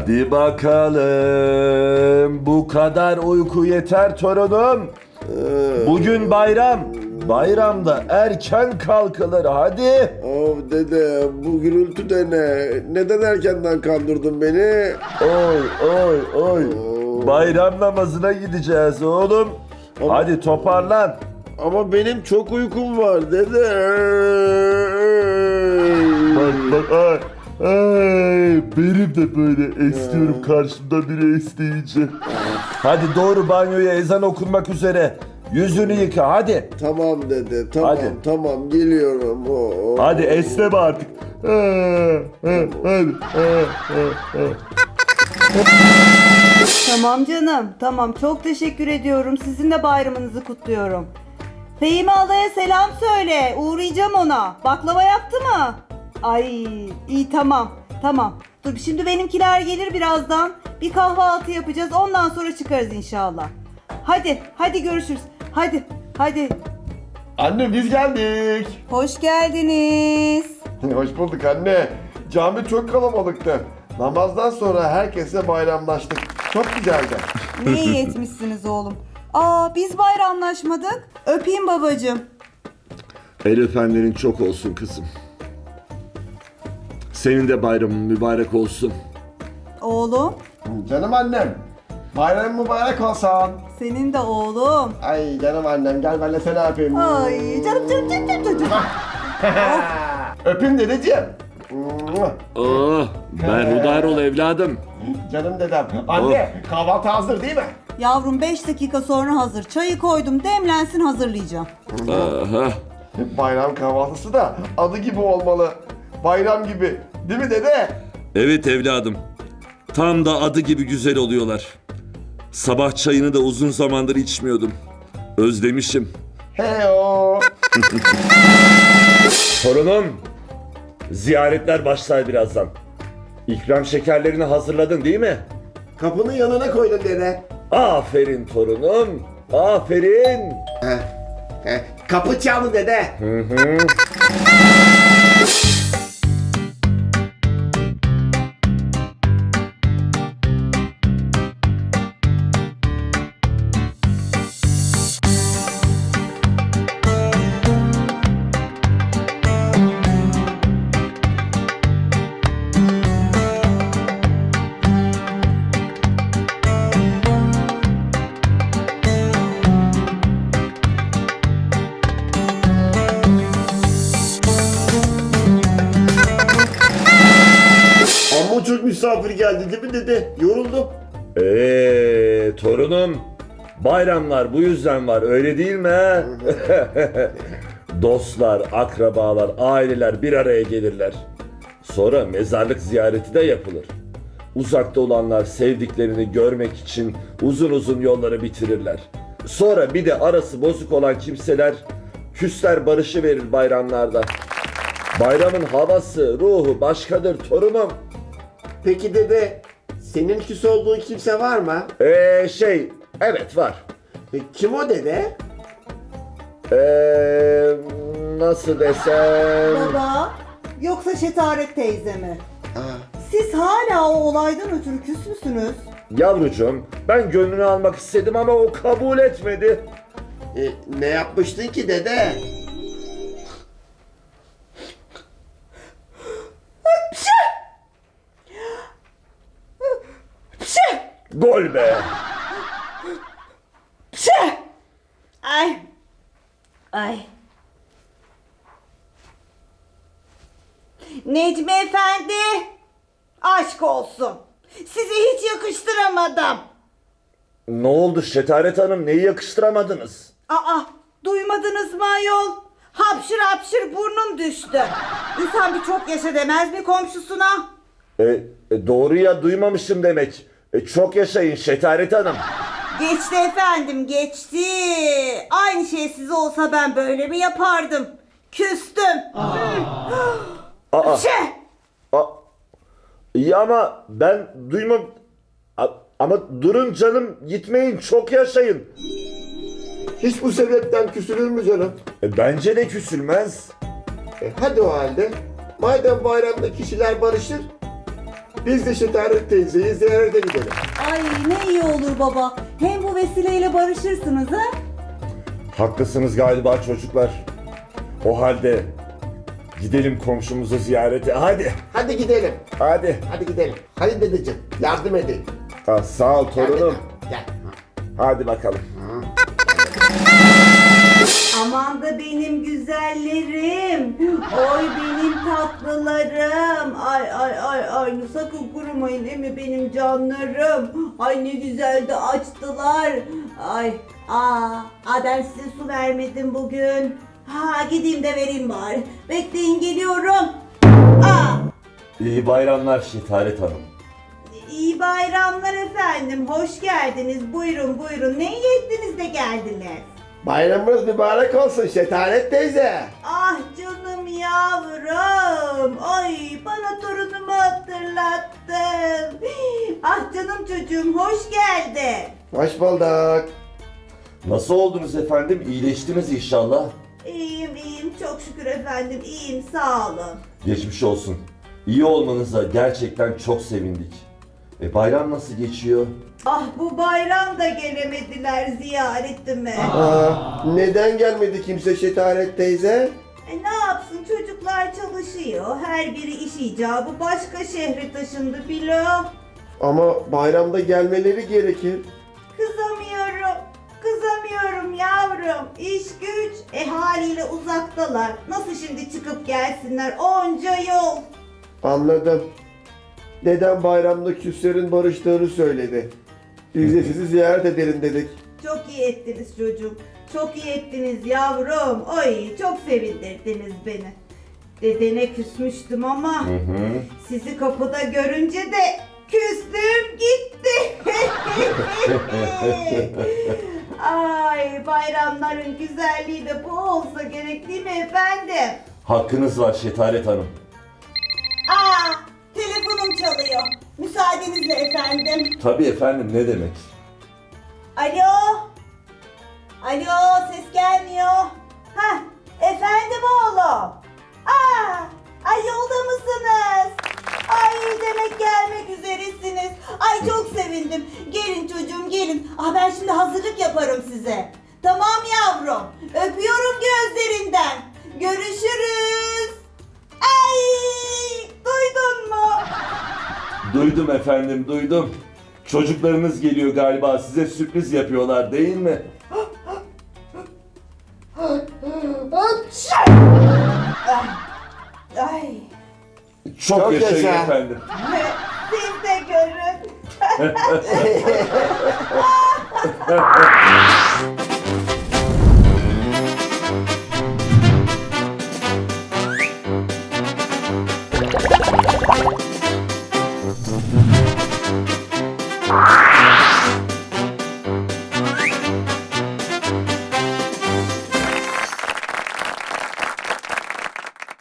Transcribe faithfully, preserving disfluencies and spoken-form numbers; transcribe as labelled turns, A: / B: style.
A: Hadi bakalım. Bu kadar uyku yeter torunum. Bugün bayram. Bayramda erken kalkılır hadi.
B: Of dede, bu gürültü de ne? Neden erkenden kandırdın beni?
A: Oy oy oy. Bayram namazına gideceğiz oğlum.
B: Ama-
A: Hadi toparlan.
B: Ama benim çok uykum var dede.
A: Bak bak ay, ay, benim de böyle esniyorum karşımda biri esneyince. Hadi doğru banyoya, ezan okunmak üzere. Yüzünü yıka hadi.
B: Tamam dede, tamam
A: Hadi.
B: tamam geliyorum. Oo.
A: Hadi esneme artık. Ha, ha, hadi. Ha, ha, ha.
C: Tamam canım, tamam. Çok teşekkür ediyorum. Sizin de bayramınızı kutluyorum. Fehime Ala'ya selam söyle. Uğrayacağım ona. Baklava yaptı mı? Ay, iyi tamam. Tamam. Dur şimdi benimkiler gelir birazdan. Bir kahvaltı yapacağız. Ondan sonra çıkarız inşallah. Hadi, hadi görüşürüz. Hadi, hadi.
B: Anne biz geldik.
C: Hoş geldiniz.
B: Hoş bulduk anne. Cami çok kalabalıktı. Namazdan sonra herkesle bayramlaştık. Çok güzeldi.
C: Ne iyi etmişsiniz oğlum. Aa, biz bayramlaşmadık. Öpeyim babacığım.
A: El öpenlerin çok olsun kızım. Senin de bayramın mübarek olsun.
C: Oğlum,
B: Canım annem. Bayram mübarek olsun.
C: senin de oğlum.
B: Ay canım annem, gel ben de seni öpeyim.
C: Ay canım canım canım canım canım.
B: Öpeyim dedeciğim.
A: Oh, berhudar ol evladım.
B: Canım dedem. Anne kahvaltı hazır değil mi?
C: Yavrum beş dakika sonra hazır. Çayı koydum, demlensin, hazırlayacağım.
A: Aha.
B: Bayram kahvaltısı da adı gibi olmalı. Bayram gibi. Değil mi dede?
A: Evet evladım. Tam da adı gibi güzel oluyorlar. Sabah çayını da uzun zamandır içmiyordum. Özlemişim.
B: He o.
A: Torunum, ziyaretler başlar birazdan. İkram şekerlerini hazırladın değil mi?
B: Kapının yanına koydum dede.
A: Aferin torunum, aferin.
B: Kapı çaldı dede. Amma çok misafir geldi değil mi dede? Yoruldum.
A: Eee torunum, bayramlar bu yüzden var öyle değil mi? Dostlar, akrabalar, aileler bir araya gelirler. Sonra mezarlık ziyareti de yapılır. Uzakta olanlar sevdiklerini görmek için uzun uzun yolları bitirirler. Sonra bir de arası bozuk olan kimseler küsler barışı verir bayramlarda. Bayramın havası, ruhu başkadır torunum.
B: Peki dede, senin küs olduğun kimse var mı?
A: Eee şey, evet var.
B: E, kim o dede?
A: Eee nasıl desem...
C: Baba, yoksa Şetaret teyze mi?
B: Aa,
C: Siz hala o olaydan ötürü küs müsünüz?
A: Yavrucuğum, ben gönlünü almak istedim ama o kabul etmedi.
B: e, ne yapmıştın ki dede?
A: Gol be!
C: Ay. Ay. Necmi Efendi. Aşk olsun. Sizi hiç yakıştıramadım.
A: Ne oldu Şetaret Hanım, neyi yakıştıramadınız?
C: Aa, duymadınız mı ayol? Hapşır hapşır burnum düştü. İnsan bir çok yaşa demez mi komşusuna?
A: E, e, doğru ya, duymamışım demek. E, çok yaşayın Şetaret Hanım.
C: Geçti efendim, geçti. Aynı şey size olsa ben böyle mi yapardım? Küstüm.
A: Aa,
C: Şey.
A: a, iyi ama ben duymam... A- ama durun canım, gitmeyin, çok yaşayın.
B: Hiç bu sebepten küsülür mü canım?
A: E, bence de küsülmez.
B: E, hadi o halde. Madem bayramda kişiler barışır, Biz de Şetaret teyzeyi ziyarete gidelim.
C: Ay ne iyi olur baba. Hem bu vesileyle barışırsınız ha?
A: Haklısınız galiba çocuklar. O halde gidelim komşumuzu ziyarete. Hadi.
B: Hadi gidelim.
A: Hadi.
B: Hadi gidelim. Hadi dedeciğim yardım edin.
A: Ha, sağ ol torunum.
B: Gel.
A: Hadi bakalım.
C: Aman da benim güzellerim. Oy benim tatlılarım. Ay ay ay ay sakın kurumayın değil mi benim canlarım. Ay ne güzel de açtılar. Ay aa, aa ben size su vermedim bugün. Ha gideyim de vereyim bari. Bekleyin geliyorum. Aa,
A: İyi bayramlar Şetaret Hanım.
C: iyi bayramlar efendim. Hoş geldiniz. Buyurun buyurun. Ne iyi ettiniz de geldiniz.
B: Bayramınız mübarek olsun Şetaret teyze.
C: Ah canım yavrum. Ay bana torunumu hatırlattın. Ah canım çocuğum hoş geldin.
B: Hoş bulduk.
A: Nasıl oldunuz efendim? İyileştiniz inşallah.
C: İyiyim iyiyim çok şükür efendim iyiyim sağ olun.
A: Geçmiş olsun. İyi olmanıza gerçekten çok sevindik. E bayram nasıl geçiyor?
C: Ah bu bayram da gelemediler ziyaretime.
B: Aa, neden gelmedi kimse Şetaret teyze?
C: E ne yapsın çocuklar çalışıyor. Her biri iş icabı başka şehre taşındı bilo.
B: Ama bayramda gelmeleri gerekir.
C: Kızamıyorum. Kızamıyorum yavrum. İş güç. E haliyle uzaktalar. Nasıl şimdi çıkıp gelsinler onca yol.
B: Anladım. Dedem bayramda küslerin barıştığını söyledi. Biz de sizi ziyaret edelim dedik.
C: Çok iyi ettiniz çocuğum. Çok iyi ettiniz yavrum. Oy çok sevindirdiniz beni. Dedene küsmüştüm ama
A: Hı hı.
C: sizi kapıda görünce de küstüm gitti. Ay bayramların güzelliği de bu olsa gerek değil mi efendim?
A: Hakkınız var Şetaret Hanım.
C: Aa telefonum çalıyor. Müsaadenizle efendim.
A: Tabii efendim ne demek?
C: Alo. Alo ses gelmiyor. Hah efendim oğlum. Aa, ay yolda mısınız? Ay demek gelmek üzeresiniz. Ay çok sevindim. Gelin çocuğum gelin. Ah ben şimdi hazırlık yaparım size. Tamam yavrum. Öpüyorum gözlerinden. Görüşürüz. Ay duydun mu?
A: Duydum efendim duydum. Çocuklarınız geliyor galiba size sürpriz yapıyorlar değil mi?
C: Ay
A: Çok,
B: Çok
A: yaşayın
B: yaşa.
A: efendim.
C: siz de görün.